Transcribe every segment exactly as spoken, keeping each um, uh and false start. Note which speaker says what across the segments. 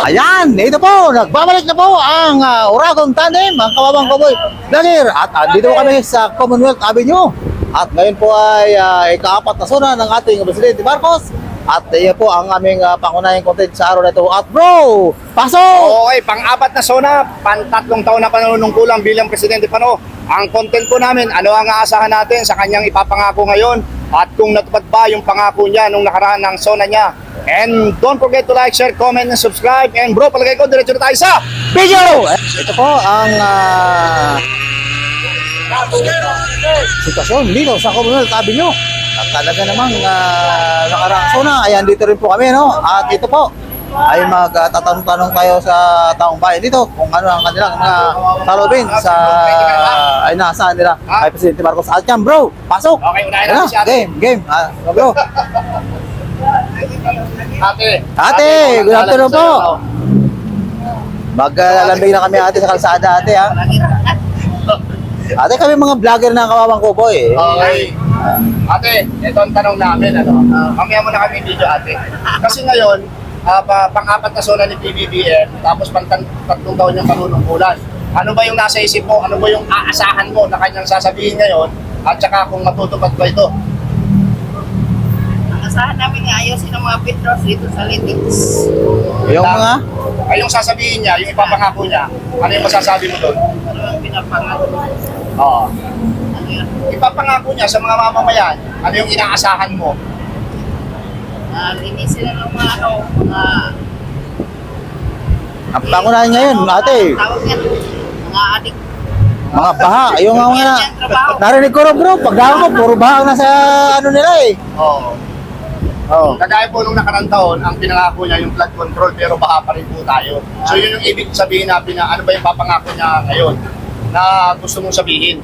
Speaker 1: Ayan, ito po, nagbabalik na po ang uh, Uragon Tandem, ang Kawawang Cowboy Vlogger. At uh, dito po kami sa Commonwealth Avenue. At ngayon po ay uh, ikaapat na suna ng ating Presidente Marcos. At uh, po ang aming uh, pangunahing content sa araw na ito. At bro, pasok!
Speaker 2: Okay, pang-apat na sona, pantatlong taon na panunungkulang bilang Presidente Pano. Ang content po namin, ano ang aasahan natin sa kanyang ipapangako ngayon at kung natupad ba yung pangako niya nung nakaraan ng sona niya. And don't forget to like, share, comment, and subscribe. And bro, palagay ko, diretso na tayo sa
Speaker 1: Video! Ito po ang uh, sitwasyon dito sa Commonwealth Avenue. At talaga namang uh, nakaraang sona, ayan dito rin po kami, no? At ito po ay magtatanong-tanong tayo sa taong bayan dito kung ano ang kanilang mga salubin sa ay nasaan nila kay Presidente Marcos. At yan bro, pasok!
Speaker 2: Okay, unahin
Speaker 1: Ano?
Speaker 2: natin si ate.
Speaker 1: Game, game. Ah, bro.
Speaker 2: Ate.
Speaker 1: Ate, good afternoon po. Maglalambing na kami ate sa kalsada ate ha. Ate kami mga vlogger ng Kawawang Cowboy eh.
Speaker 2: Okay. Ate, ito ang tanong namin, ano? Mamaya mo na kami video, ate. Kasi ngayon, uh, pa, pang-apat na sona ni P B B M, tapos pang-tatlong taon niyang panunungkulan. Ano ba yung nasa isip mo? Ano ba yung aasahan mo na kanyang sasabihin ngayon? At saka kung matutupad ba ito?
Speaker 3: Asahan namin nga ayusin ang mga petros dito sa Litix.
Speaker 1: Yung mga
Speaker 2: Ay, yung sasabihin niya, yung ipapangako niya, ano yung masasabi mo doon?
Speaker 3: Ano ang pinapangako?
Speaker 2: Oo.
Speaker 3: Ano yun?
Speaker 2: Ipapangako niya sa mga mamamayan, ano yung inaasahan mo?
Speaker 3: Uh, linisin na ng mga ano, mga...
Speaker 1: ang pangunahin ngayon ate.
Speaker 3: Tawag yan, mga adik.
Speaker 1: Mga baha, yung mga
Speaker 3: Yan, yan, trabaho.
Speaker 1: narinig ko rin bro, pagdaan ko, puro baha ang nasa ano nila eh.
Speaker 2: Oo.
Speaker 1: Oh.
Speaker 2: Kagaya po nung nakarang taon, ang pinangako niya yung flood control pero baha pa rin po tayo. So yun yung ibig sabihin natin na ano ba yung papangako niya ngayon na gusto mong sabihin.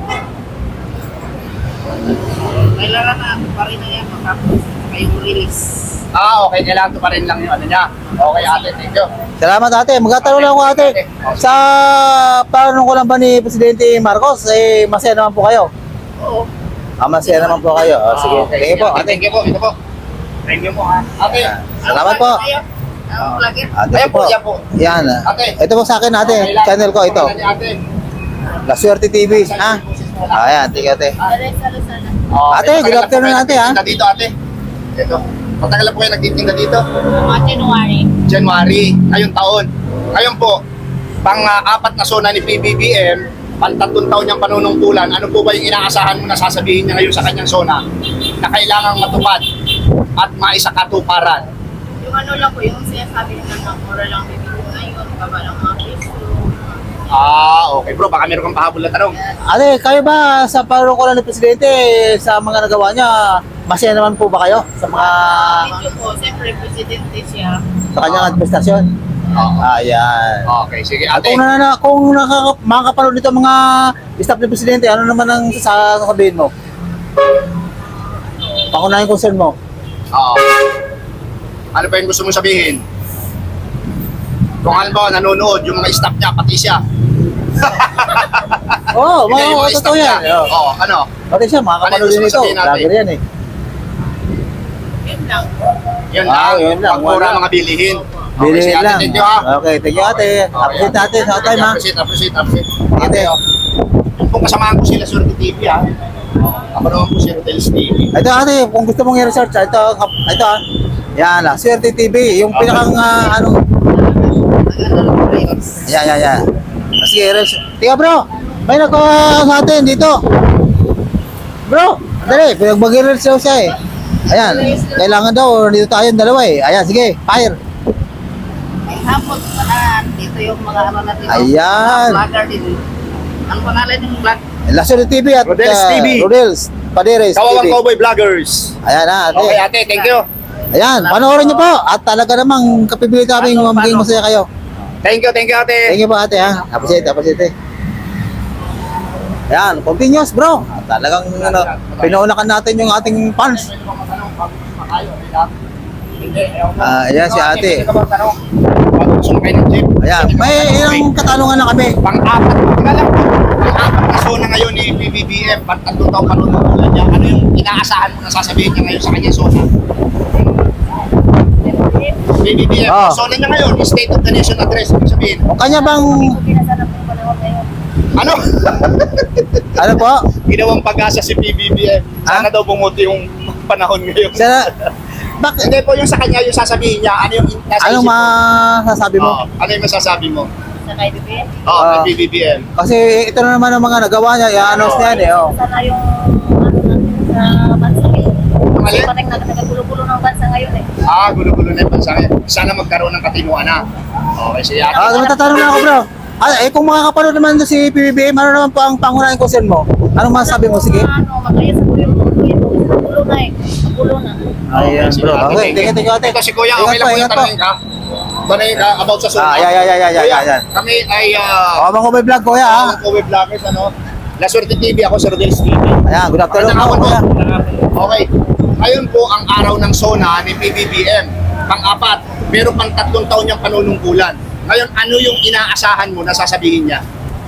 Speaker 3: Kailangan na pa rin na yan matapos kayong release.
Speaker 2: Ah, okay. Kailangan to pa rin lang yung ano niya. Okay, ate. Thank you.
Speaker 1: Salamat ate, magtatanong lang ako ate. Sa paano ko lang ba ni Presidente Marcos, eh masaya naman po kayo?
Speaker 3: Oo.
Speaker 1: Ah, masaya naman po kayo. Oh, sige,
Speaker 2: Ah, okay.
Speaker 1: thank you po ate.
Speaker 2: Thank you po. Ito po. Thank you po, ha. Ate.
Speaker 1: Salamat po.
Speaker 3: Ang vlogger.
Speaker 1: Ate
Speaker 2: Ayan
Speaker 1: po.
Speaker 2: po, yan po.
Speaker 1: Yan.
Speaker 2: Ate.
Speaker 1: Ito po sa akin ate,
Speaker 2: Okay lang.
Speaker 1: channel ko ito.
Speaker 2: Okay lang, ate.
Speaker 1: La Suerte T V, ha? Ayan, thank you ate.
Speaker 2: Oh,
Speaker 1: Ate,
Speaker 2: matagal
Speaker 1: good
Speaker 2: na po
Speaker 1: afternoon,
Speaker 2: kayo
Speaker 1: ate, ha?
Speaker 2: nagtitinda dito, ate. Ito. Matagal na po kayo nagtitinda dito?
Speaker 3: Mga January.
Speaker 2: January, ngayong taon. Ngayon po, pang-apat na sona ni P B B M, pang-tatlong taon niyang panunungkulan, ano po ba yung inaasahan mo na sasabihin niya ngayon sa kanyang sona na kailangang matupad at maisakatuparan?
Speaker 3: Yung ano lang po, yung sinasabi nila na mura lang bibigyan ngayon, baba ng mga piso.
Speaker 2: Ah, okay bro, baka meron kang pahabol na tanong.
Speaker 1: Ate, kayo ba sa panungkulan ni Presidente sa mga nagawa niya, masaya naman po ba kayo sa mga
Speaker 3: Medyo po, siyempre presidente siya.
Speaker 1: sa kanyang administrasyon?
Speaker 2: Oo.
Speaker 1: Ayan.
Speaker 2: Okay, sige
Speaker 1: At
Speaker 2: ate.
Speaker 1: kung na, kung nakaka, makakapanood dito mga staff ni Presidente, ano naman ang sasabihin mo? Pangunahing concern mo?
Speaker 2: Oo. Ano ba yung gusto mong sabihin? Kung ano ba, nanonood, yung mga staff niya, pati siya.
Speaker 1: Oo, oh,
Speaker 2: Hindi, yung
Speaker 1: mga
Speaker 2: mga
Speaker 1: totoo
Speaker 2: staff
Speaker 1: yan.
Speaker 2: niya. Oo, ano?
Speaker 1: Pati siya, makakapanood
Speaker 2: Ano yung
Speaker 1: din
Speaker 2: gusto
Speaker 1: ito.
Speaker 2: sabihin natin?
Speaker 1: Vlogger yan eh.
Speaker 3: Yun lang.
Speaker 2: Yun
Speaker 1: Ah,
Speaker 2: lang,
Speaker 1: yun lang,
Speaker 2: pagmura
Speaker 1: wala.
Speaker 2: mga bilihin.
Speaker 1: Bili
Speaker 2: sige, ate,
Speaker 1: lang.
Speaker 2: thank you ha.
Speaker 1: Okay, thank you ate. Appreciate natin sa time ha.
Speaker 2: Appreciate, appreciate, appreciate.
Speaker 1: Ate.
Speaker 2: Ate, oh. Yung pong kasamahan ko sila Swerte T V ha. Ako naman po si Rodel's T V.
Speaker 1: Ito ate, kung gusto mong i-research, ito, ito ha. Yan ah, Suerte T V, yung pinakang uh, ano.
Speaker 3: Maganda ng release.
Speaker 1: Yan, yan, yan. Sige, research. Tika bro, may nagkawa sa atin dito. Bro, dali, pinagbag-research daw siya eh. Ayan, kailangan daw, dito tayo dalawa eh. Ayan, sige, fire.
Speaker 3: May hapon pa na dito yung mga ano natin. no?
Speaker 1: Ayan.
Speaker 3: Mga vlogger din. Ang pangalan ng vlog.
Speaker 1: La Suerte T V at
Speaker 2: Rodel's
Speaker 1: uh,
Speaker 2: T V.
Speaker 1: Rodel's Paderes
Speaker 2: Kawawang
Speaker 1: T V.
Speaker 2: Cowboy Vloggers.
Speaker 1: Ayan na ate.
Speaker 2: Okay ate, thank you.
Speaker 1: Ayan, panoorin niyo po. At talaga namang kapipilit kami
Speaker 3: Paano,
Speaker 1: maging
Speaker 3: paano?
Speaker 1: masaya kayo.
Speaker 2: Thank you, thank you ate.
Speaker 1: Thank you po ate ha. Appreciate, appreciate. Ayan, continuous bro. At talagang ano, pinaunakan natin yung ating fans. Ah, ayan si ate. Ayan, may ilang katanungan na kami.
Speaker 2: Pang-apat, teka lang po. Pang-apat na zona ngayon ni P B B M, pang-tatlong taong panunungkulan niya. Ano yung inaasahan mo na sasabihin niya ngayon sa kanyang zona? P B B M.
Speaker 1: Oh.
Speaker 2: Zona niya ngayon, State of the Nation Address. Ibig sabihin,
Speaker 1: O kanya bang,
Speaker 3: Pinasarap yung panahon ngayon.
Speaker 2: ano?
Speaker 1: ano po?
Speaker 2: Ginawang pag-asa si P B B M. Sana daw bumuti yung panahon ngayon.
Speaker 1: Sana, bak,
Speaker 2: Hindi po yung sa kanya, yung sasabihin niya, ano yung nasa
Speaker 1: anong
Speaker 2: isip mo?
Speaker 1: masasabi mo?
Speaker 2: Oo, ano yung masasabi mo?
Speaker 3: Sa kay Bebe.
Speaker 2: Oo,
Speaker 1: Ah.
Speaker 2: kay P B B M.
Speaker 1: Kasi ito na naman ang mga nagawa niya, i-announce niya yan eh. Oh.
Speaker 3: Sana yung ano natin sa bansa ngayon.
Speaker 2: Mali?
Speaker 3: Kasi pating nagkagulo-gulo ng bansa ngayon eh.
Speaker 2: Ah, gulo-gulo na yung bansa ngayon. Sana magkaroon ng katinuan na. Okay, sige ate.
Speaker 1: Ah, matatanong na ako bro. Ah, eh kung makakapanood naman doon si P B B M, ano naman po ang pangunahing concern mo? Anong masasabi mo? Sige.
Speaker 3: Ano, magkaya sa kuya mo. Magulo na eh. Magulo na.
Speaker 1: Ayan
Speaker 2: sige,
Speaker 1: bro.
Speaker 2: ate,
Speaker 1: Okay,
Speaker 2: thank you.
Speaker 1: tingin tingin ate.
Speaker 2: Ito si Kuya,
Speaker 1: Ingat
Speaker 2: okay lang
Speaker 1: po,
Speaker 2: po yung
Speaker 1: ingat po.
Speaker 2: tanongin ka. Tanongin ka about sa Zona.
Speaker 1: Ah, yeah, yeah, yeah, yeah, yeah,
Speaker 2: Kuya,
Speaker 1: yeah, yeah.
Speaker 2: Kami ay uh,
Speaker 1: O, mga may vlog kuya ha.
Speaker 2: Ako web vloggers, ano? La Suerte T V, ako si Rodels T V.
Speaker 1: Ayan, good afternoon
Speaker 2: Magandang
Speaker 1: po
Speaker 2: hapon
Speaker 1: kuya.
Speaker 2: Okay. Ngayon po ang araw ng SONA ni P B B M. Pang-apat, meron pang tatlong taon niyang panunungkulan. Ngayon, ano yung inaasahan mo na sasabihin niya?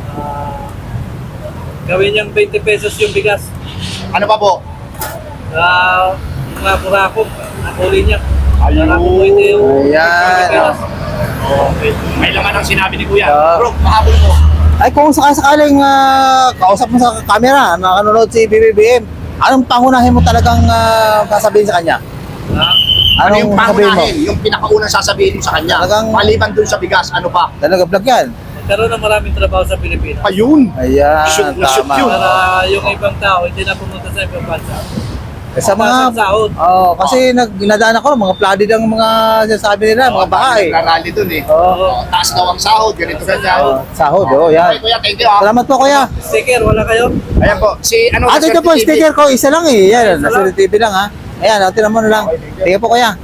Speaker 4: Gawin niyang twenty pesos yung bigas.
Speaker 2: Ano pa po?
Speaker 4: Uh, mga burako, napuli niya.
Speaker 2: Ayun.
Speaker 4: Para po ito yung
Speaker 1: Ayan.
Speaker 4: bigas.
Speaker 2: Okay. May laman ang sinabi ni Kuya.
Speaker 1: Ah.
Speaker 2: Bro, mahabol mo.
Speaker 1: Ay kung sakasakaling uh, kausap mo sa camera, nakanonood si P B B M, anong pangunahin mo talagang uh, sasabihin sa kanya?
Speaker 4: Ha?
Speaker 2: Ano yung
Speaker 1: Anong sasabihin mo?
Speaker 2: pangunahin? Yung pinakaunang sasabihin mo sa kanya?
Speaker 1: Talagang-
Speaker 2: Maliban dun sa bigas, ano pa?
Speaker 1: Talaga vlog yan.
Speaker 4: Magkaroon ng maraming trabaho sa Pilipinas.
Speaker 2: Ayun.
Speaker 1: Ayan,
Speaker 2: Shoot na shoot
Speaker 1: tama.
Speaker 2: yun.
Speaker 4: Para yung ibang tao hindi na pumunta sa ibang bansa.
Speaker 1: Eh, sa mga,
Speaker 4: Pasang sahod.
Speaker 1: oh, kasi nag, nadaan ako, mga flooded ang mga sinasabi nila, mga bahay.
Speaker 2: Nagrarally dun eh.
Speaker 1: Oo.
Speaker 2: Oh, taas daw ang sahod, ganito ganyan.
Speaker 1: Oh, sahod, oh,
Speaker 2: Okay,
Speaker 1: yan.
Speaker 2: Kuya, thank you ah.
Speaker 1: Salamat po kuya.
Speaker 4: Sticker, wala kayo?
Speaker 2: Ayan po, si ano
Speaker 1: At ito po,
Speaker 2: T V.
Speaker 1: sticker ko, isa lang eh. Yan,
Speaker 4: Isa
Speaker 1: nasa
Speaker 4: lang.
Speaker 1: T V lang ha. Ayan, natin naman lang. Tingnan po kuya.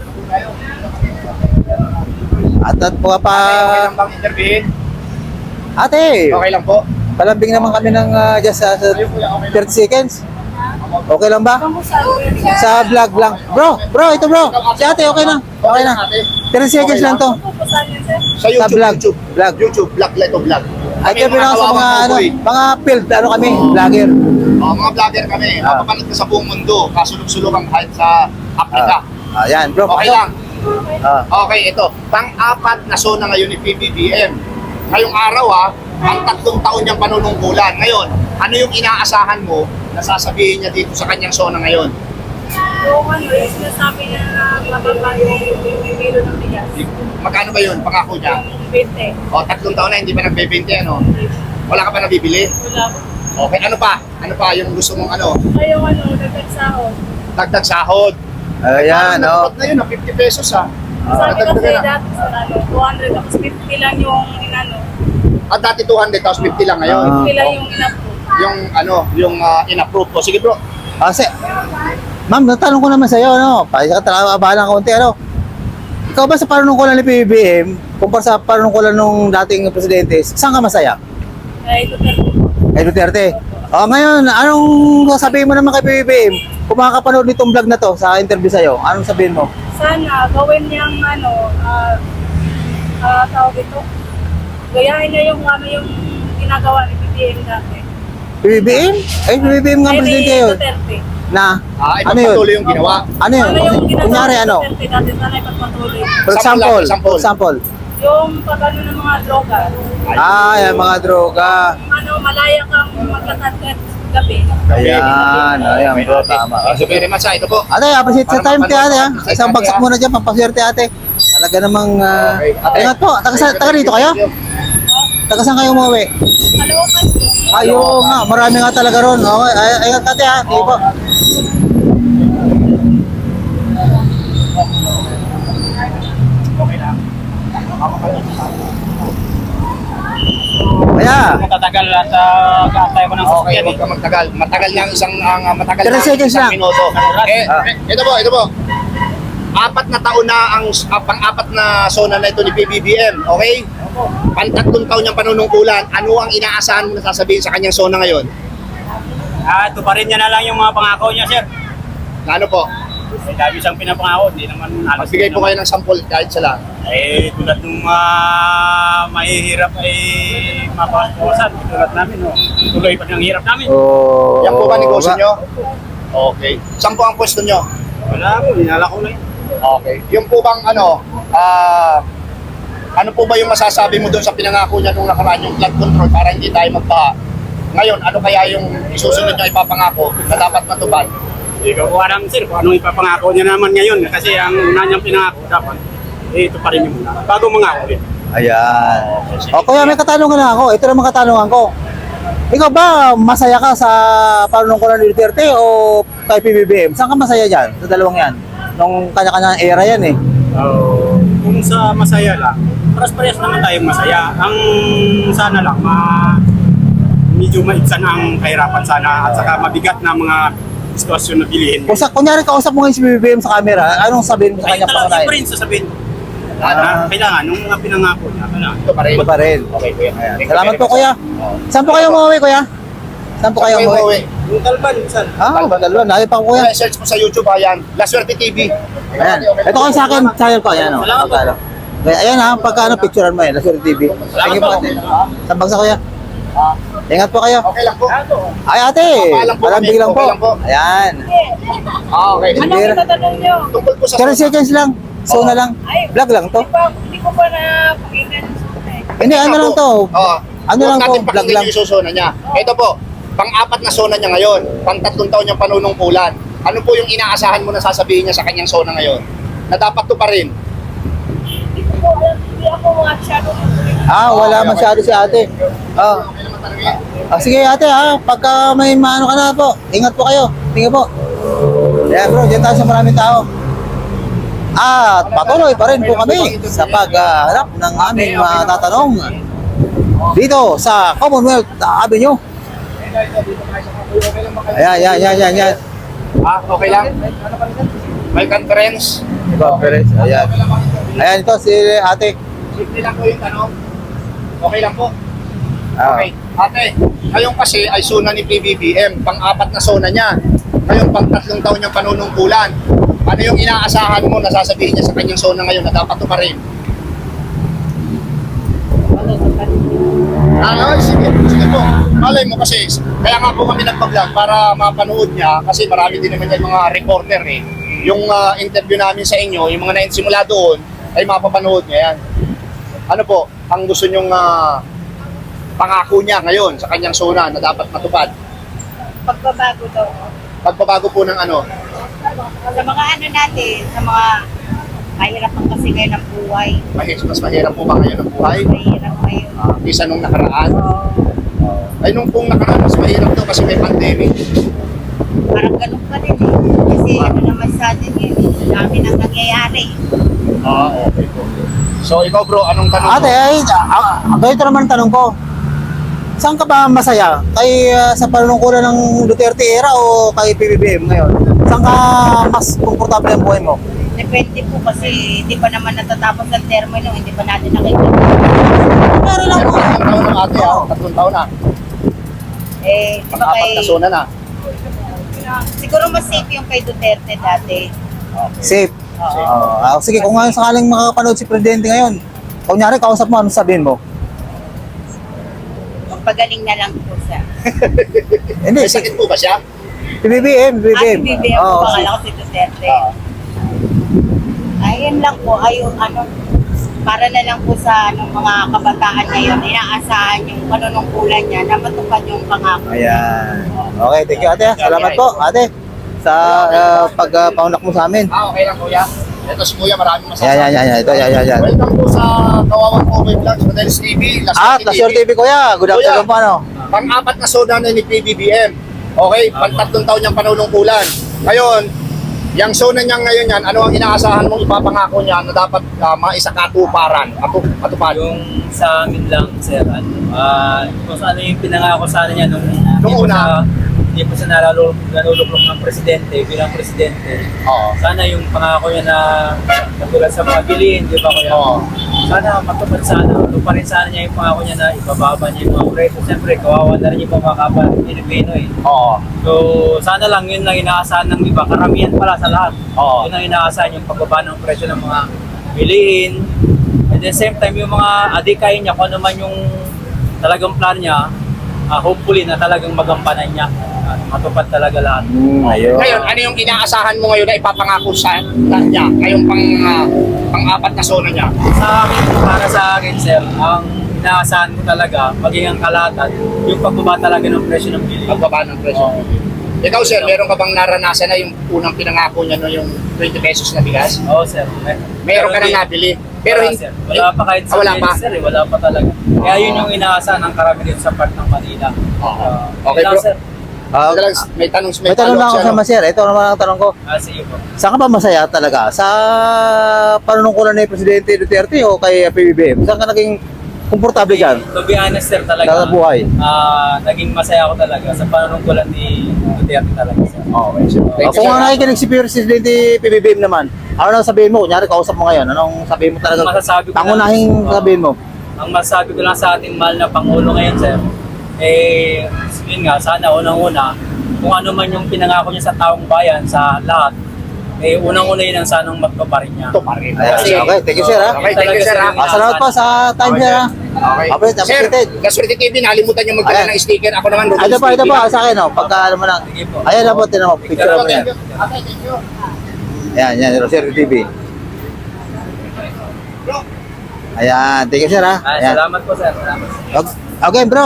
Speaker 1: At at po pa,
Speaker 2: Okay lang bang interviewin?
Speaker 1: ate,
Speaker 2: Okay lang po.
Speaker 1: palambing naman kami ng uh, just uh, sa thirty seconds. Okay lang ba? Sa vlog lang. Bro, bro, ito bro. Si ate, okay lang. Okay lang. thirty seconds lang to.
Speaker 2: Sa YouTube,
Speaker 1: vlog.
Speaker 2: YouTube.
Speaker 1: Vlog.
Speaker 2: YouTube, vlog, Leto vlog.
Speaker 1: At
Speaker 2: Kami,
Speaker 1: kami lang sa mga,
Speaker 2: kawawang
Speaker 1: ano,
Speaker 2: buboy.
Speaker 1: mga field, ano kami, vlogger.
Speaker 2: Oh, mga vlogger kami.
Speaker 1: Ah.
Speaker 2: Mapapanood ka sa buong mundo. Kasulog-sulugan kahit sa Africa.
Speaker 1: Ah, ayan, bro.
Speaker 2: Okay
Speaker 1: pasok.
Speaker 2: lang.
Speaker 1: Ah.
Speaker 2: Okay, ito. Pang-apat na zona ngayon ni P B B M. Ngayong araw ha, ang tatlong taon niyang panunungkulan. Ngayon, ano yung inaasahan mo na sasabihin niya dito sa kanyang zona ngayon?
Speaker 3: Yung ano, yung sinasabi niya na mababa yung kilo ng bigas.
Speaker 2: Magkano ba yun? Pangako niya?
Speaker 3: twenty.
Speaker 2: O, tatlong taon na hindi pa nagbebente, ano? Wala ka pa nabibili?
Speaker 3: Wala po.
Speaker 2: Okay, ano pa? Ano pa yung gusto mong ano?
Speaker 3: Ay, yung ano, dagdag sahod.
Speaker 2: Dagdag sahod.
Speaker 1: Ayan,
Speaker 2: Parang
Speaker 1: oh.
Speaker 2: natupad na yun, ah, fifty pesos ha.
Speaker 3: Sabi kasi
Speaker 2: Nadagdagan na.
Speaker 3: dati sa ano, two hundred tapos fifty lang yung inano.
Speaker 2: At dati two hundred, tapos fifty lang ngayon.
Speaker 1: Ah.
Speaker 3: fifty lang yung inapprove.
Speaker 2: Yung ano, yung uh, in-approve ko. Sige bro.
Speaker 1: Kasi, ma'am, natanong ko naman sa iyo, ano, para ka talaga abahan ng konti, ano. Ikaw ba sa panunungkulan ni P B B M, kumpara sa panunungkulan nung dating presidente, saan ka masaya?
Speaker 3: Ay, Duterte.
Speaker 1: Kay Duterte. Oh, ngayon, anong sasabihin mo naman kay P B B M? Kung makakapanood nitong vlog na to sa interview sa'yo, anong sabihin mo?
Speaker 3: Sana gawin niyang ano, ah, ah, tawag ito. Gayahin niya yung ano yung ginagawa ni B B M dati.
Speaker 1: P B B M? Ay, P B B M nga
Speaker 3: Ay, ni
Speaker 1: presidente yun.
Speaker 3: Duterte.
Speaker 1: Na,
Speaker 2: Ah,
Speaker 1: ano yun?
Speaker 2: ipagpatuloy yung ginawa.
Speaker 1: Ano yun?
Speaker 3: Ano yung ginagawa
Speaker 1: Kunyari,
Speaker 3: ni
Speaker 1: ano?
Speaker 3: Duterte dati, sana ipagpatuloy.
Speaker 1: For
Speaker 2: Sample
Speaker 1: example,
Speaker 2: lang, example.
Speaker 1: for example.
Speaker 3: Yung pag-ano ng mga droga.
Speaker 1: Ah, yan, mga droga.
Speaker 3: Ano, malaya kang magkatagkat gabi.
Speaker 1: Ayan, ayan, bro, tama.
Speaker 2: Thank you very much ha. Ito po.
Speaker 1: Ate, appreciate sa time, te, ate, ha?
Speaker 2: Appreciate
Speaker 1: Isang
Speaker 2: natin,
Speaker 1: bagsak
Speaker 2: ha?
Speaker 1: muna dyan, pampaswerte, ate. Talaga namang, ah,
Speaker 2: Okay. Ate,
Speaker 1: ingat po, taga, sa- taga rito kayo? Taga saan kayo umuwi?
Speaker 3: Kalawakan po.
Speaker 1: Ayo nga, marami nga talaga ron. Okay, ay, ingat ate, ha? Sige po. Kaya,
Speaker 4: Matatagal at uh, kaantay ko ng
Speaker 2: Okay,
Speaker 4: sasakyan
Speaker 2: huwag ka magtagal. Matagal lang isang ang ah, matagal
Speaker 1: thirty
Speaker 2: lang
Speaker 1: seconds
Speaker 2: isang
Speaker 1: lang.
Speaker 2: minuto. Eh,
Speaker 1: Ah.
Speaker 2: eh, ito po, ito po. Apat na taon na ang ah, pang-apat na zona na ito ni P B B M, okay? Pantatlong taon niyang panunungkulan. Ano ang inaasahan mo na sasabihin sa kanyang zona ngayon?
Speaker 4: Ah, ito pa rin niya na lang yung mga pangako niya, sir.
Speaker 2: Na ano po?
Speaker 4: May dami siyang pinapangako, hindi naman halos.
Speaker 2: Magbigay po kayo ng sample kahit sa lahat.
Speaker 4: Eh, tulad ng uh, mahihirap ay mapapawasan. Tulad namin, no? Tuloy pa ng hirap namin.
Speaker 1: oh,
Speaker 2: Yan po ba negosyo
Speaker 1: ba-
Speaker 2: nyo? Okay. Saan po ang pwesto nyo?
Speaker 4: Wala po, hinala ko na yun.
Speaker 2: Okay. Yung po bang ano, ah, ano po ba yung masasabi mo doon sa pinangako niya nung nakaraan yung flood control para hindi tayo magbaha? Ngayon, ano kaya yung isusunod niya ipapangako na dapat matupad?
Speaker 4: Hindi ko alam sir kung anong ipapangako niya naman ngayon kasi ang una niyang pinangako dapat eh, ito pa rin yung muna. Bago mangako ulit.
Speaker 1: Ayan. O kuya, may katanungan na ako. Ito naman katanungan ko. Ikaw ba masaya ka sa panunungkulan ni Duterte o kay P B B M? Saan ka masaya dyan? Sa dalawang yan? Nung kanya-kanyang era yan eh.
Speaker 4: So, kung sa masaya lang, paras-parehas naman tayong masaya. Ang sana lang, ma medyo maibsan ang kahirapan sana at saka mabigat na mga sitwasyon na bilihin.
Speaker 1: Kung sa, kunyari kausap mo ngayon si P B B M sa camera, anong sabihin mo sa
Speaker 4: Ay,
Speaker 1: kanya
Speaker 4: talagang
Speaker 1: pangunahin?
Speaker 4: siyempre rin sasabihin.
Speaker 2: Ah.
Speaker 4: Ah, kailangan, nung mga pinangako niya, kailangan.
Speaker 2: Ito pa rin.
Speaker 1: Ito pa rin.
Speaker 2: Okay, kuya.
Speaker 1: Ayan.
Speaker 2: Thank you
Speaker 1: Salamat
Speaker 2: very
Speaker 1: po
Speaker 2: much.
Speaker 1: kuya.
Speaker 2: Oo.
Speaker 1: Saan po kayo umuwi kuya? Saan po kayo
Speaker 2: Saan
Speaker 1: umuwi?
Speaker 2: umuwi?
Speaker 4: Yung kalban, saan?
Speaker 1: Ah, dalawa. Nakita pa ko kuya.
Speaker 2: Kuya, search mo sa YouTube, ayan. La Suerte T V.
Speaker 1: Ayan. Ito kayo sa akin, channel ko. Ayan o.
Speaker 4: Salamat po.
Speaker 1: Kaya ayan ha, pagka ano, picturean mo yan, Lasuri T V. Thank you po ate. Sambag sa kuya.
Speaker 2: Ah,
Speaker 1: Ingat po kayo.
Speaker 2: okay lang po.
Speaker 1: Ay ate,
Speaker 2: Papaalam po
Speaker 1: walang
Speaker 2: kami.
Speaker 1: biglang po.
Speaker 2: Okay lang po.
Speaker 1: Ayan.
Speaker 2: Ah, okay.
Speaker 3: Ano
Speaker 1: Hindi.
Speaker 3: ang tatanong nyo?
Speaker 2: Tungkol po sa
Speaker 1: thirty seconds lang. So na lang.
Speaker 3: Ay,
Speaker 1: Vlog lang to.
Speaker 3: Hindi, pa, hindi ko pa na pakinggan.
Speaker 1: Hindi, ano lang to.
Speaker 2: Oo.
Speaker 1: Ano lang po,
Speaker 2: Huwag natin
Speaker 1: vlog
Speaker 2: pakinggan
Speaker 1: lang.
Speaker 2: yung susuna niya. Ito po, pang-apat na zona niya ngayon. Pang-tatlong taon niyang panunungkulan. Ano po yung inaasahan mo na sasabihin niya sa kanyang zona ngayon? Na dapat to pa rin.
Speaker 3: Hindi ko po alam, hindi ako masyado.
Speaker 1: Ah, wala
Speaker 2: Okay, okay.
Speaker 1: masyado si ate. Ah,
Speaker 2: Okay naman talaga.
Speaker 1: ah sige ate ha, pagka may maano ka na po, ingat po kayo. Tingnan po. Yeah bro, dyan tayo sa maraming tao. At patuloy pa rin po kami sa paghahanap ng aming mga tatanong dito sa Commonwealth Avenue. Ayan, ayan, ayan, ayan, ayan.
Speaker 2: Ah, okay lang? May conference?
Speaker 1: Conference, ayan. Ayan ito si ate.
Speaker 2: Simple lang po yung tanong. Okay lang po.
Speaker 1: Ah,
Speaker 2: Okay. Ate, ngayon kasi ay zona ni P B B M, pang-apat na zona niya. Ngayon pang-tatlong taon niyang panunungkulan. Ano yung inaasahan mo na sasabihin niya sa kanyang zona ngayon na dapat to pa rin? Ah, ay, sige, sige po. Malay mo kasi, kaya nga po kami nagpa-vlog para mapanood niya kasi marami din naman yan mga reporter eh. Yung ah, interview namin sa inyo, yung mga nainsimula doon, ay mapapanood niya yan. Ano po, ang gusto niyong ah, pangako niya ngayon sa kanyang zona na dapat matupad?
Speaker 3: Pagbabago daw.
Speaker 2: Pagbabago po ng ano?
Speaker 3: Sa mga ano natin, sa mga mahirap ang kasi ngayon ng buhay.
Speaker 2: Mahirap, mas mahirap po ba ngayon ang buhay?
Speaker 3: Mahirap ngayon.
Speaker 2: Ah, kisa nung nakaraan?
Speaker 3: Oo.
Speaker 2: Ay, nung pong nakaraan, mas mahirap to kasi may pandemic.
Speaker 3: Parang ganun pa rin eh. Kasi ano naman sa atin eh, dami nang nangyayari.
Speaker 2: Ah, okay po. So, ikaw bro, anong tanong
Speaker 1: ate,
Speaker 2: mo?
Speaker 1: ay, ah, ganito naman ang tanong ko. Saan ka ba masaya? Kay ah, sa panunungkulan ng Duterte era o kay P B B M ngayon? Saan ka mas komportable ang buhay mo?
Speaker 3: Depende po kasi hindi pa naman natatapos ang termino, hindi pa natin nakikita.
Speaker 1: Pero lang po.
Speaker 2: Tatlong taon na ate, ah. Tatlong taon na.
Speaker 3: Eh, di ba
Speaker 2: Pang-apat
Speaker 3: kay...
Speaker 2: na zona na.
Speaker 3: Siguro mas safe yung kay Duterte dati.
Speaker 1: Safe.
Speaker 3: Oo.
Speaker 1: Ah, sige, kung ngayon sakaling makakapanood si Presidente ngayon, kunyari, kausap mo, ano sabihin mo?
Speaker 3: Magpagaling na lang po siya.
Speaker 1: Hindi,
Speaker 2: May
Speaker 1: si
Speaker 2: sakit po ba siya?
Speaker 1: P B B M, P B B
Speaker 3: Ah,
Speaker 1: M.
Speaker 3: si B B M po,
Speaker 1: Oo, si-
Speaker 3: bakala ko si Duterte. Ayun lang po, ayun, ano, para na lang po sa ano, mga kabataan ngayon, inaasahan yung panunungkulan niya na matupad yung pangako.
Speaker 1: Ayan. Okay, thank you ate. Salamat po ate sa uh, pag-paunak mo sa amin.
Speaker 2: Ah, okay lang kuya. Ito si kuya, maraming masasabi.
Speaker 1: Yan, yan, yan, yan. Ito, yan, yan, yan.
Speaker 2: Welcome po sa Kawawang Kobe Vlogs, Rodelis T V, Las
Speaker 1: At, Lasur T V kuya. Good afternoon po ano.
Speaker 2: Pang-apat na zona na ni P B B M. Okay, pang-tatlong taon niyang panunungkulan. Ngayon, yung zona niya ngayon yan, ano ang inaasahan mong ipapangako niya na dapat uh, maisakatuparan, atu matupad?
Speaker 5: Yung sa amin lang, sir, ano, ah, kung ano yung pinangako sana niya nung
Speaker 2: Nung
Speaker 5: hindi pa
Speaker 2: una.
Speaker 5: siya- hindi pa siya nalulu- naluluklok ng presidente, bilang presidente.
Speaker 2: Oo.
Speaker 5: Sana yung pangako niya na katulad sa mga bilihin, di ba kuya?
Speaker 2: Oo.
Speaker 5: Sana matupad sana, pa rin sana niya yung pangako niya na ibababa niya yung mga presyo. Siyempre, kawawa na rin yung mga kapal Pilipino eh.
Speaker 2: Oo.
Speaker 5: So, sana lang yun lang inaasahan ng iba. Karamihan pala sa lahat.
Speaker 2: Oo.
Speaker 5: Yun ang inaasahan yung pagbaba ng presyo ng mga bilihin. At the same time, yung mga adikain niya, kung ano man yung talagang plan niya, ah, hopefully na talagang magampanan niya at matupad talaga lahat.
Speaker 1: Ayun.
Speaker 2: Ngayon, ano yung inaasahan mo ngayon na ipapangako sa kanya? Ngayong pang, ah, pang-apat na zona niya?
Speaker 5: Sa akin, para sa akin, sir, ang inaasahan ko talaga, maging ang kalahatan, yung pagbaba talaga ng presyo ng bili.
Speaker 2: Pagbaba ng presyo.
Speaker 5: Oo.
Speaker 2: Ikaw, sir, meron ka bang naranasan na yung unang pinangako niya no, yung twenty pesos na bigas?
Speaker 5: Oo, sir. Mer-
Speaker 2: Meron ka
Speaker 5: hindi-
Speaker 2: nang nabili. Pero
Speaker 5: wala,
Speaker 2: hindi,
Speaker 5: sir. Wala pa kahit
Speaker 2: Ah,
Speaker 5: sa
Speaker 2: wala
Speaker 5: Manila,
Speaker 2: pa?
Speaker 5: sir. Eh. Wala pa talaga. Kaya yun yung inaasahan ng karami dito sa part ng Manila.
Speaker 2: Oo.
Speaker 5: Ah,
Speaker 2: Okay,
Speaker 5: yun lang,
Speaker 2: bro.
Speaker 5: sir.
Speaker 1: Ah,
Speaker 2: Teka lang, may tanong, may,
Speaker 1: may tanong lang ako
Speaker 2: follow-up
Speaker 1: sa
Speaker 2: siya, no?
Speaker 1: Maser. Ito naman ang tanong ko.
Speaker 5: Ah, sige po.
Speaker 1: Saan ka ba masaya talaga? Sa panunungkulan ni Presidente Duterte o kay P B B M? Saan ka naging komportable dyan?
Speaker 5: To be honest, sir, talaga.
Speaker 1: Sa buhay?
Speaker 5: Ah, naging masaya ako talaga sa panunungkulan ni Duterte talaga, sir.
Speaker 2: Okay, sir. Thank
Speaker 1: Uh,
Speaker 2: you,
Speaker 1: kung
Speaker 2: sir.
Speaker 1: nga nakikinig si Presidente P B B M naman, ano nang sabihin mo? Kunyari, kausap mo ngayon. Anong sabihin mo talaga?
Speaker 5: Masasabi ko
Speaker 1: Pangunahing
Speaker 5: lang-
Speaker 1: sabihin mo?
Speaker 5: Ang masasabi ko lang sa ating mahal na Pangulo ngayon, sir, eh, yun nga, sana unang-una, kung ano man yung pinangako niya sa taong bayan, sa lahat, eh, unang-una yun ang sanang magpaparin niya.
Speaker 2: Ito pa rin.
Speaker 1: Ayan,
Speaker 2: Kasi,
Speaker 1: okay, thank you, sir, ha?
Speaker 2: Okay, thank you, sir, ha?
Speaker 1: Ah, salamat po sa time, sir, ha?
Speaker 2: Okay.
Speaker 1: Okay,
Speaker 2: Sir,
Speaker 1: appreciated.
Speaker 2: Gaswerte T V, nakalimutan niyo magdala
Speaker 1: Ayan.
Speaker 2: ng sticker. Ako naman, Rodel
Speaker 1: Ito pa, ito
Speaker 2: T V.
Speaker 1: pa, sa akin, oh. Pagka, ano mo lang.
Speaker 5: Sige po.
Speaker 1: Ayan na po, tinan mo. Picture mo yan.
Speaker 2: Thank you. Okay, thank you.
Speaker 1: Ayan, yan, Rosero T V.
Speaker 2: Bro,
Speaker 1: Ayan, thank you, sir, ha?
Speaker 5: Ah,
Speaker 1: Ayan.
Speaker 5: salamat po, sir. Salamat.
Speaker 1: Okay, okay, bro.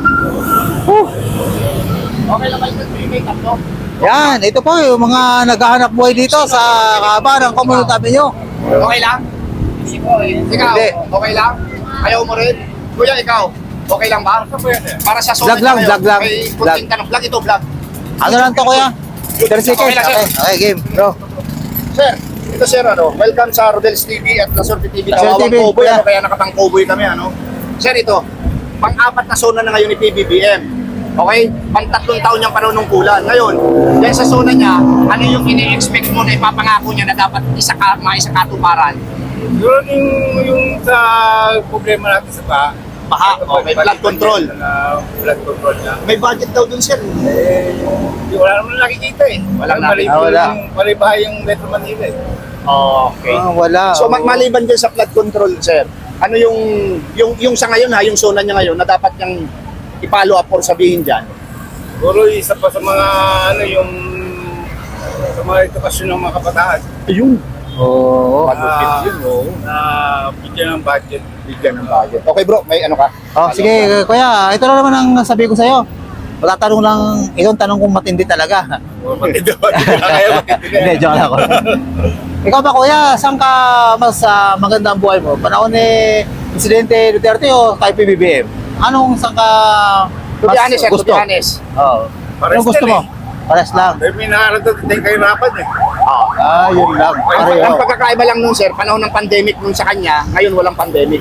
Speaker 2: okay lang kayo mag-make-up, no?
Speaker 1: Yan, ito po yung mga naghahanap buhay dito sa kaaba ng komunidad nyo.
Speaker 2: Okay lang? Ikaw,
Speaker 1: Hindi.
Speaker 2: okay lang? Ayaw mo rin? Kuya, ikaw, okay lang ba? Para sa
Speaker 1: Vlog lang, vlog lang.
Speaker 2: May
Speaker 1: Vlog.
Speaker 2: kunting tanong. Vlog ito, vlog.
Speaker 1: Ano lang to, kuya? thirty seconds.
Speaker 2: Okay lang, sir.
Speaker 1: Okay, okay, game, bro.
Speaker 2: Sir, ito sir, ano, welcome sa Rodel's T V at Lasorte T V.
Speaker 1: Lasorte
Speaker 2: Kawawang
Speaker 1: T V,
Speaker 2: Cowboy,
Speaker 1: kuya.
Speaker 2: ano, kaya nakatang cowboy kami, ano. Sir, ito, pang-apat na zona na ngayon ni P B B M. Okay? Pang-tatlong taon niyang panunungkulan. Ngayon, dahil sa zona niya, ano yung ini-expect mo na ipapangako niya na dapat isa ka, maisa katuparan?
Speaker 4: Yun yung, yung sa problema natin sa baha.
Speaker 2: Baha, okay, flood control.
Speaker 4: Na flood control na.
Speaker 2: May budget daw dun, sir.
Speaker 4: Eh, di wala naman nakikita eh.
Speaker 2: Walang
Speaker 4: Mali-
Speaker 1: nakikita. Ah, wala.
Speaker 4: yung- Mali bahay yung Metro Manila eh.
Speaker 2: Okay.
Speaker 1: Ah, wala.
Speaker 2: So mag maliban dyan sa flood control, sir, ano yung yung yung sa ngayon ha, yung zona niya ngayon na dapat niyang i-follow up or sabihin diyan?
Speaker 4: Siguro isa pa sa mga ano yung sa mga edukasyon ng mga kabataan.
Speaker 2: Ayun.
Speaker 1: Oo.
Speaker 2: Pagupit yun, oh.
Speaker 4: Na bigyan ng budget.
Speaker 2: Bigyan ng budget. Okay bro, may ano ka?
Speaker 1: Oh, sige, kuya, ito na naman ang sabi ko sa'yo. Magtatanong lang, itong tanong kung matindi talaga.
Speaker 4: O matindi ba? Kaya matindi na.
Speaker 1: Hindi, joke lang ako. Ikaw ba, kuya, saan ka mas uh, maganda ang buhay mo? Panahon ni Presidente Duterte o kay P B B M? Anong saan ka
Speaker 2: To be honest, sir, to be honest.
Speaker 1: Oo.
Speaker 4: Pares
Speaker 1: Anong gusto
Speaker 4: din
Speaker 1: mo? Pares lang.
Speaker 4: Eh, may nakaradot din kayo rapat eh.
Speaker 1: Ah, yun lang.
Speaker 2: Ang,
Speaker 1: Pareho.
Speaker 2: ang pagkakaiba lang nun, sir, panahon ng pandemic nun sa kanya, ngayon walang pandemic.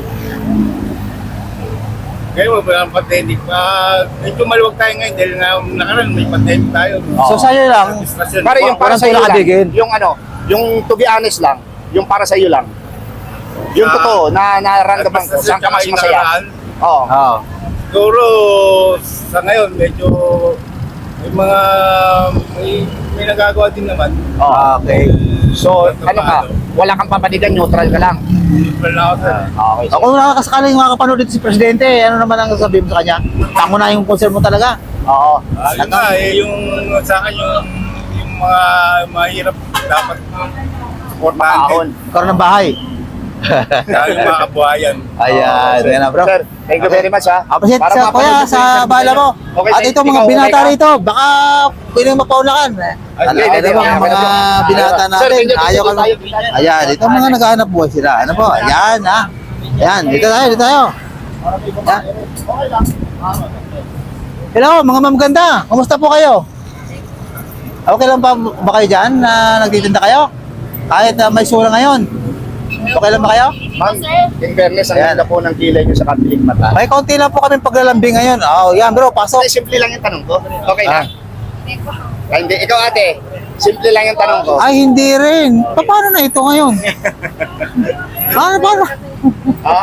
Speaker 4: Ngayon, wala ang pandemic. Uh, medyo maluwag tayo ngayon dahil na nakaraan may pandemic tayo.
Speaker 1: So, sa'yo lang,
Speaker 4: Diskusyon.
Speaker 2: Para yung para
Speaker 1: walang
Speaker 2: sa iyo lang,
Speaker 1: pinakabigin.
Speaker 2: yung ano, yung to be honest lang, yung para sa iyo lang. Yung
Speaker 4: Ah,
Speaker 2: totoo na naramdaman ko, saan ka mas masaya? Oo.
Speaker 1: Oo.
Speaker 4: Siguro sa ngayon medyo may mga may, may nagagawa din naman.
Speaker 1: Ah, okay.
Speaker 2: So, ano ka, wala kang papanigan, neutral ka lang.
Speaker 4: Wala ako sa
Speaker 2: Okay.
Speaker 1: Ako kung nakakasakaling makakapanood dito si Presidente, ano naman ang sabihin mo sa kanya? Tango na yung concern mo talaga. Oo.
Speaker 4: Ah, yun nga, eh, yung sa akin yung, yung mga mahirap dapat supportahan
Speaker 2: Mahon.
Speaker 4: din.
Speaker 1: Karoon ng bahay.
Speaker 4: Lalo yung mga kabuhayan.
Speaker 1: Ayan,
Speaker 2: sir.
Speaker 1: yan na bro.
Speaker 2: Sir, thank you very much ha.
Speaker 1: Appreciate
Speaker 2: Para
Speaker 1: sa kuya
Speaker 2: mapanood
Speaker 1: sa
Speaker 2: yung
Speaker 1: bala
Speaker 2: video
Speaker 1: mo.
Speaker 2: niya. Okay,
Speaker 1: At
Speaker 2: thank-
Speaker 1: ito mga
Speaker 2: ikaw,
Speaker 1: binata
Speaker 2: okay ka?
Speaker 1: rito, baka pwede mapaunakan.
Speaker 2: Ay,
Speaker 1: Alam
Speaker 2: hindi,
Speaker 1: ko
Speaker 2: hindi,
Speaker 1: naman
Speaker 2: hindi,
Speaker 1: mga
Speaker 2: hindi.
Speaker 1: binata
Speaker 2: Sir,
Speaker 1: natin,
Speaker 2: thank you, thank
Speaker 1: ayaw
Speaker 2: you,
Speaker 1: ka
Speaker 2: tayo.
Speaker 1: Ayan, ito mga naghahanap buhay sila. Ano po? Ayan ha. Ayan, dito tayo, dito tayo. Ayan.
Speaker 2: Okay lang.
Speaker 1: Hello, mga mamaganda. Kumusta po kayo? Okay lang pa ba kayo dyan na nagtitinda kayo? Kahit uh, may sura ngayon. Okay lang ba kayo?
Speaker 2: Ma'am, in fairness, ang
Speaker 1: Ayan.
Speaker 2: ganda po ng kilay nyo sa katiling mata.
Speaker 1: May konti lang po kami paglalambing ngayon. Oh, yan bro, pasok.
Speaker 2: Okay, simple lang yung tanong ko. Okay
Speaker 1: Ah.
Speaker 2: na? Ah, hindi, ikaw ate, simple lang yung tanong ko.
Speaker 1: Ay, hindi rin. Pa- Paano na ito ngayon? Paano, paano?
Speaker 2: Ha?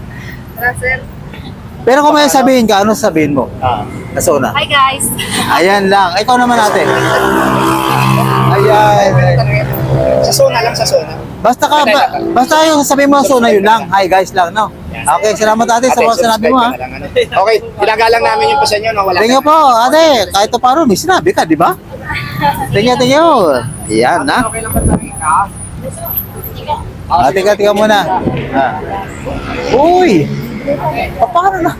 Speaker 1: Pero kung may sabihin ka, ano sabihin mo?
Speaker 2: Ah.
Speaker 1: Nasuna.
Speaker 3: Hi guys!
Speaker 1: Ayan lang. Ikaw naman ate. Ayan.
Speaker 2: Sa zona lang, sa zona.
Speaker 1: Basta ka, ba, basta yung sabi mo so na yun lang. Hi guys lang, no? Okay, salamat ate sa mga sinabi mo ha.
Speaker 2: subscribe ka na lang, ano. Okay, ilagalang namin yung pa sa inyo, no? Wala
Speaker 1: Tingnan po, ate, kahit pa paano, may sinabi ka, di ba? Tingnan, tingnan. Yan, ha?
Speaker 2: Okay lang ba tayo ka?
Speaker 1: Ah, tingnan, tingnan muna. Ah. Uy! Pa- Paano na?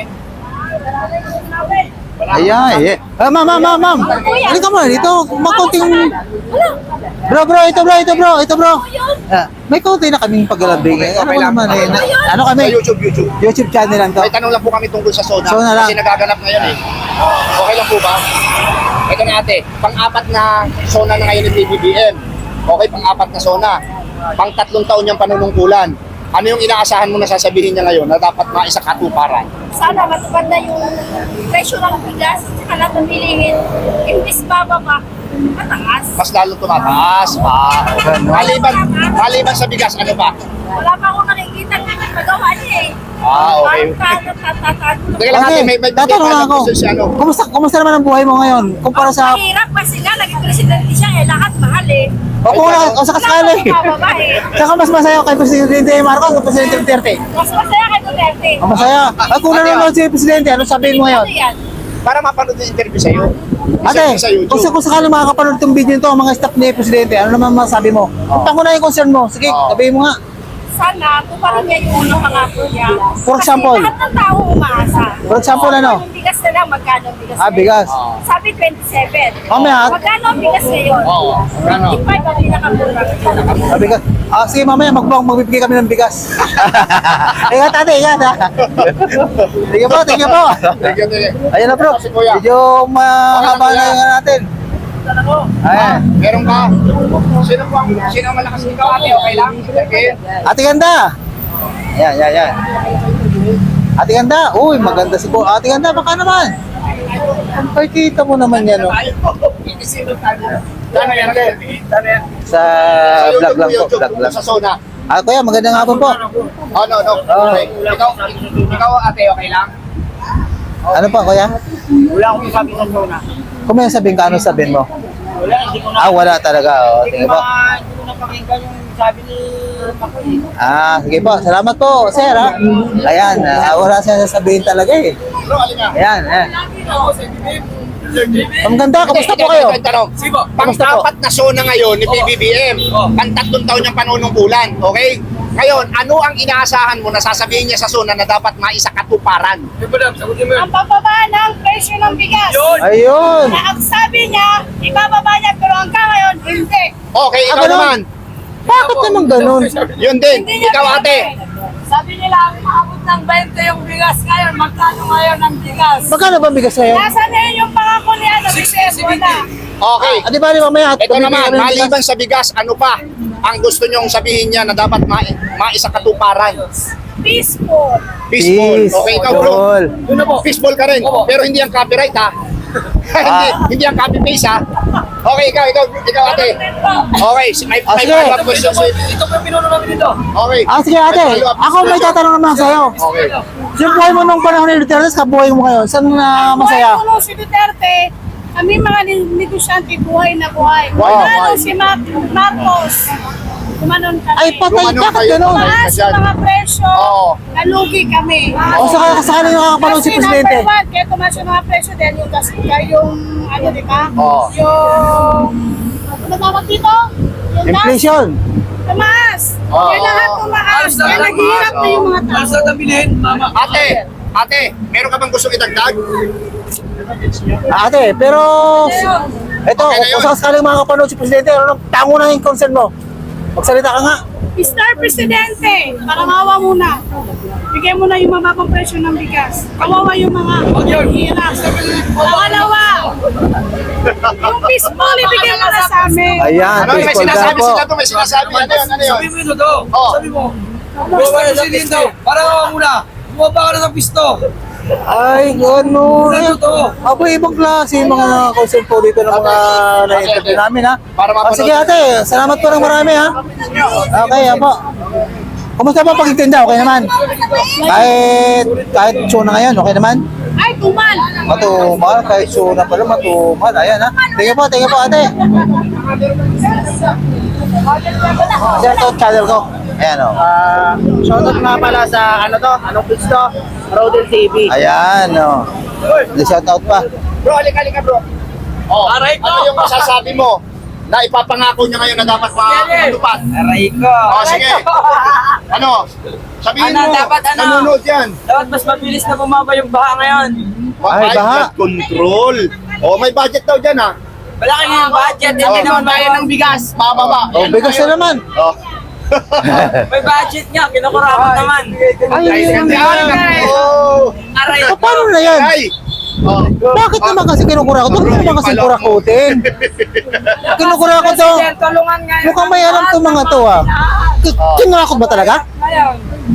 Speaker 1: Ayan, eh. Ah, ma'am, ma'am, ma'am, ma'am. Halika mo, dito. Makunting... Bro, bro, ito bro, ito bro, ito bro. Ah, may konti na kaming paglalambing. Eh. Ano
Speaker 2: Okay lang.
Speaker 1: naman eh. na- Ano
Speaker 2: Sa
Speaker 1: kami?
Speaker 2: YouTube, YouTube.
Speaker 1: YouTube channel lang to.
Speaker 2: May tanong lang po kami tungkol sa Sona.
Speaker 1: Sona lang.
Speaker 2: Kasi nagaganap ngayon eh. Okay lang po ba? Ito na ate, pang-apat na Sona na ngayon ni P B B M. Okay, pang-apat na Sona. Pang-tatlong taon niyang panunungkulan. Ano yung inaasahan mo na sasabihin niya ngayon na dapat maisakatuparan?
Speaker 3: Sana matupad na yung presyo ng bigas at lahat ng bilihin. Imbis bababa, mataas.
Speaker 2: Mas lalo tumataas. Ah, maliban, maliban sa bigas, ano ba?
Speaker 3: Wala pa akong nakikita ng magawa niya eh.
Speaker 2: Ah, okay.
Speaker 3: Parang tatatado.
Speaker 2: Teka lang ate, may, may, may
Speaker 1: tatanong lang ako.
Speaker 2: question si ano.
Speaker 1: Kumusta, kumusta naman ang buhay mo ngayon? Kumpara sa...
Speaker 3: Mahirap kasi nga, naging presidente siya eh. Lahat mahal eh.
Speaker 1: O kung wala, o sa kasali.
Speaker 3: Wala akong bababa eh.
Speaker 1: Saka mas masaya kay Presidente Marcos o Presidente Duterte?
Speaker 3: Mas masaya kay Duterte.
Speaker 1: Ang masaya. Ay, kung nanonood si Presidente, ano sabihin mo ngayon?
Speaker 3: Ano yan?
Speaker 2: Para mapanood yung interview sa'yo.
Speaker 1: Ate,
Speaker 2: Sa YouTube.
Speaker 1: kung, sa- kung sakaling makakapanood itong video nito, ang mga staff ni Presidente, ano naman masabi mo? Kung tango na yung concern mo, sige,
Speaker 2: Oo.
Speaker 1: sabihin mo nga.
Speaker 3: Sana, tuparin niya yung unang pangako niya.
Speaker 1: For example?
Speaker 3: Kasi lahat ng tao umaasa.
Speaker 1: For example, ano?
Speaker 3: Yung bigas na lang, magkano ang bigas
Speaker 1: Ah,
Speaker 3: ngayon?
Speaker 1: bigas.
Speaker 3: Sabi twenty-seven.
Speaker 1: Mamaya.
Speaker 3: Magkano ang bigas ngayon?
Speaker 2: Oo, magkano?
Speaker 3: twenty-five ang pinakamura.
Speaker 1: Sabi ka, ah, sige mamaya, magbang, magbibigay kami ng bigas. Ingat ate, ingat ha. Sige po, thank you po.
Speaker 2: Thank you, thank you.
Speaker 1: Ayun na bro,
Speaker 2: Kasi kuya.
Speaker 1: medyo mahaba
Speaker 2: Okay na,
Speaker 1: na
Speaker 2: kuya.
Speaker 1: yung natin. Ayan.
Speaker 2: Meron ka? Sino po ang, sino ang malakas ikaw ate? Okay lang? Okay.
Speaker 1: Ate ganda. Ayan, ayan, ayan. Ate ganda. Uy, maganda si po. Ate ganda, baka naman. Ay, kita mo naman yan, oh.
Speaker 2: Sino tayo? Tano yan, ate? Tano yan?
Speaker 1: Sa
Speaker 2: Sa
Speaker 1: vlog
Speaker 2: YouTube,
Speaker 1: lang po,
Speaker 2: YouTube,
Speaker 1: vlog lang.
Speaker 2: sa Sona.
Speaker 1: Ah, kuya, magandang hapon po.
Speaker 2: Oh, no, no. Okay. Ikaw, ikaw ate, okay lang?
Speaker 1: Ano pa, kuya?
Speaker 5: Wala akong sabi sa Sona.
Speaker 1: Kung may sabihin ka, ano sabihin mo?
Speaker 5: Wala, hindi ko na.
Speaker 1: Ah, wala talaga. Oh,
Speaker 5: Hindi
Speaker 1: sige
Speaker 5: ko
Speaker 1: po.
Speaker 5: na, hindi ko na pakinggan yung sabi ni Makoy.
Speaker 1: Ah, sige po. Salamat po, sir, ha? Ayan, ah, wala siya sasabihin talaga eh.
Speaker 2: Bro, alin nga?
Speaker 1: Ayan, ayan. Ang ganda, kamusta po kayo?
Speaker 2: Sige po. Pang-apat na Sona ngayon ni P B B M. Pang-tatlong taon niyang panunungkulan. Okay? Ngayon, ano ang inaasahan mo na sasabihin niya sa Sona na dapat maisakatuparan?
Speaker 3: Ang pababa ng presyo ng bigas.
Speaker 1: Ayun.
Speaker 3: Na ang sabi niya, ibababa niya, pero hanggang ngayon, hindi.
Speaker 2: Okay, ikaw
Speaker 1: Ah, ganun?
Speaker 2: naman.
Speaker 1: Bakit naman ganun?
Speaker 2: Yun din.
Speaker 3: Hindi niya
Speaker 2: Ikaw ate.
Speaker 3: Sabi nila, maabot ng twenty yung bigas ngayon. Magkano ngayon ang bigas?
Speaker 1: Magkano ba bigas ngayon?
Speaker 3: Nasaan na yun yung pangako ni ano, Bigas? Wala.
Speaker 2: Okay.
Speaker 1: Ah, di ba, di mamaya?
Speaker 2: Ito
Speaker 1: tumibigay
Speaker 2: naman,
Speaker 1: kami ng bigas.
Speaker 2: maliban sa bigas, ano pa ang gusto niyong sabihin niya na dapat ma maisakatuparan?
Speaker 3: Peaceful.
Speaker 2: Fishball.
Speaker 1: Peace.
Speaker 2: Okay, ikaw bro.
Speaker 1: Ball.
Speaker 2: Yun na po. Fishball ka rin. Pero hindi ang copyright ha. hindi, hindi ang copy paste ha. Okay, ikaw, ikaw, ikaw ate. Okay, si- may,
Speaker 1: Ah,
Speaker 2: may
Speaker 1: sige.
Speaker 2: follow-up question sa
Speaker 5: Ito po yung pinuno namin dito.
Speaker 2: Okay.
Speaker 1: Ah, sige ate.
Speaker 2: May follow-up
Speaker 1: Ako may
Speaker 2: question.
Speaker 1: tatanong naman sa'yo.
Speaker 2: Okay.
Speaker 1: Yung buhay mo nung panahon ni Duterte, sa buhay mo ngayon, saan na masaya?
Speaker 3: Buhay ko nung si Duterte, kami mga ni- negosyante buhay na buhay.
Speaker 2: Buhay na
Speaker 3: Lalo
Speaker 2: buhay.
Speaker 3: si Mar- Marcos, kumanon kami.
Speaker 1: Ay, patay,
Speaker 2: Gumanon
Speaker 1: bakit
Speaker 2: kayo.
Speaker 1: ganun?
Speaker 3: Tumaas yung mga presyo,
Speaker 2: Oo.
Speaker 3: nalugi kami.
Speaker 1: O saka sakali nakakapanood si
Speaker 3: Kasi
Speaker 1: Presidente.
Speaker 3: number one, kaya tumaas yung mga presyo dahil yung gas, yung ano di ba?
Speaker 2: Oo.
Speaker 3: Yung, ano tawag dito? Yung gas,
Speaker 1: Inflation.
Speaker 3: tumaas.
Speaker 2: Oo.
Speaker 3: Kaya lahat tumaas. Kaya naghihirap na yung mga tao.
Speaker 5: na bilhin, mama.
Speaker 2: Ate, ate, meron ka bang gustong idagdag?
Speaker 1: Ah, ate, pero... Ito,
Speaker 2: Okay na yun.
Speaker 1: kung sakaling makakapanood si Presidente, ano, tango na yung concern mo. Magsalita ka nga.
Speaker 3: mister Presidente, parangawa muna. Bigyan mo na yung mababang presyo ng bigas. Kawawa yung mga hirap. Pangalawa, yung peaceful, ibigay mo na sa amin.
Speaker 1: Ayan,
Speaker 2: Ano, may
Speaker 1: peaceful daw
Speaker 2: sinasabi
Speaker 1: po.
Speaker 2: sila to, may sinasabi. Ano yun, ano yun?
Speaker 5: Sabi mo ito to.
Speaker 2: Oo.
Speaker 5: Sabi mo. Bawa na sa dito. Parang ako muna. Bumaba ka na sa pisto.
Speaker 1: Ay, ano.
Speaker 5: Ano to?
Speaker 1: Abo, ibang klase yung mga concern po dito ng mga na-interview namin ha.
Speaker 2: Para
Speaker 1: Ah,
Speaker 2: mapanood.
Speaker 1: sige ate, salamat po ng marami ha. Okay, apo. Kumusta ba pagtitinda? Okay naman? Kahit, kahit show na ngayon, okay naman?
Speaker 3: Ay, tumal!
Speaker 1: Matumal, kahit show na pala, matumal. Ayan ha. Tingnan po, tingnan po ate. Share to channel ko. Ayan o.
Speaker 2: Ah, shoutout nga pala sa ano to, anong page to? Rodel T V.
Speaker 1: Ayan o. Shout out pa.
Speaker 2: Bro, halika, halika bro. Oh, ano yung masasabi mo na ipapangako niya ngayon na dapat matupad?
Speaker 6: Aray ko.
Speaker 2: Oh, sige. Ano? Sabihin
Speaker 6: Ano,
Speaker 2: mo,
Speaker 6: dapat ano?
Speaker 2: nanonood yan.
Speaker 6: Dapat mas mabilis na bumaba yung baha ngayon.
Speaker 1: Ay,
Speaker 2: High
Speaker 1: baha.
Speaker 2: blood control. Oh, may budget daw dyan ha.
Speaker 6: Malaki nga yung budget.
Speaker 2: Oh.
Speaker 6: Hindi naman bayan ng
Speaker 2: bigas, mababa.
Speaker 1: O, bigas na naman.
Speaker 2: Oh.
Speaker 6: may budget nga. Kinukurakot naman.
Speaker 2: Ay, hindi Oh.
Speaker 6: Aray
Speaker 1: O,
Speaker 6: ko.
Speaker 1: paano na yan?
Speaker 2: Ay. Oh.
Speaker 1: Bakit naman kasi kinukurakot? Bakit naman kasi kurakutin? Kinukurakot daw.
Speaker 3: Tulungan nga yung
Speaker 1: Mukhang may alam itong mga to ah. K- Kinurakot ba talaga?
Speaker 3: ngayon.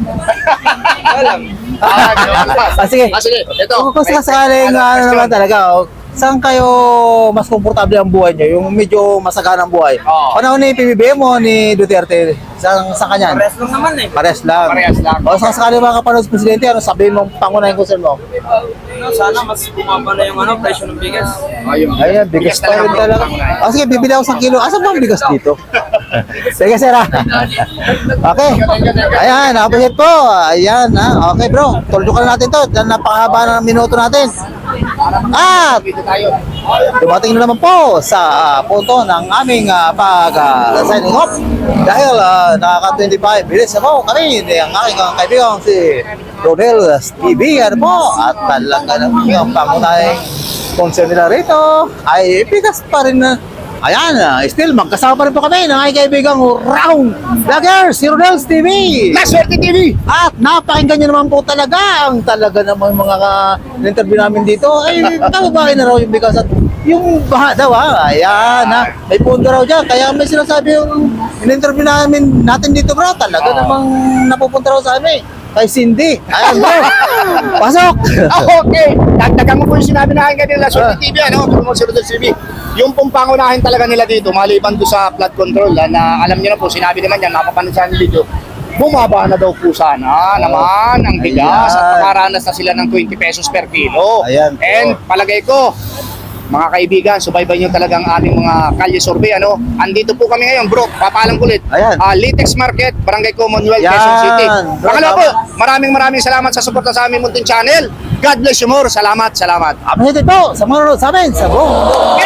Speaker 2: Ah, ganun.
Speaker 1: Ah, sige.
Speaker 2: Ah, sige. Ito.
Speaker 1: Kung kung sakaling
Speaker 2: Ano,
Speaker 1: ano
Speaker 2: question?
Speaker 1: naman talaga, oh, saan kayo mas komportable ang buhay nyo? Yung medyo masagana ang buhay?
Speaker 2: Oo.
Speaker 1: Panahon ni P B B M o ni Duterte? Saan, saan kanyan?
Speaker 6: Pares lang naman eh.
Speaker 1: Pares lang.
Speaker 2: Parehas lang.
Speaker 1: O saan sakaling makapanood sa Presidente, ano sabihin mong pangunahing concern mo?
Speaker 6: Ano, sana mas bumaba na yung ano, presyo ng bigas.
Speaker 2: Ayun.
Speaker 1: Ayan, bigas pa rin talaga. O sige, bibili ako sa kilo. Asan ba ang bigas dito? Sige, sir ah. Okay. Ayan, nakapasit po. Ayan, ha. Okay, bro. Tuldukan natin to. Dahil napakahaba ng minuto natin. At
Speaker 2: Dito tayo.
Speaker 1: dumating na naman po sa ah, punto ng aming uh, pag-signing off. Dahil uh, nakaka twenty-five minutes na po kami ni ang aking uh, kaibigan si Rodel T V. Ano po? At talaga naman yung pangunahing concern nila rito ay bigas pa rin na. Ayan, uh, still magkasama pa rin po kami ng aking kaibigang Round Vloggers, si Rodel T V.
Speaker 2: Swerte T V.
Speaker 1: At napakinggan nyo naman po talaga ang talaga naman mga ka-interview namin dito ay kababae na raw yung bigas at yung baha daw ha. Ayan ha. May punto raw dyan. Kaya may sinasabi yung in-interview namin natin dito bro. Talaga namang napupunta raw sa amin. Kay Cindy. Ayan bro. Pasok.
Speaker 2: Ah, okay. Dagdagan mo po yung sinabi na akin kanila sa T V, ano? Promote si Rodel T V. Yung pong pangunahin talaga nila dito, maliban doon sa flood control, ah, na alam niyo na po, sinabi naman yan, napapanood sa video, bumaba na daw po sana naman ang bigas
Speaker 1: Ayan.
Speaker 2: at makaranas na sila ng twenty pesos per kilo.
Speaker 1: Ayan po.
Speaker 2: And palagay ko, mga kaibigan, subaybay nyo talagang aming mga kalye survey, ano? Andito po kami ngayon, bro. Papaalam ko ulit.
Speaker 1: Ayan.
Speaker 2: Ah, Litex Market, Barangay Commonwealth,
Speaker 1: Yan.
Speaker 2: Quezon City.
Speaker 1: Bro,
Speaker 2: Pangalawa
Speaker 1: tama.
Speaker 2: po, maraming maraming salamat sa suporta sa aming munting channel. God bless you more. Salamat, salamat.
Speaker 1: Appreciate po sa mga nanonood sa amin sa buong mundo.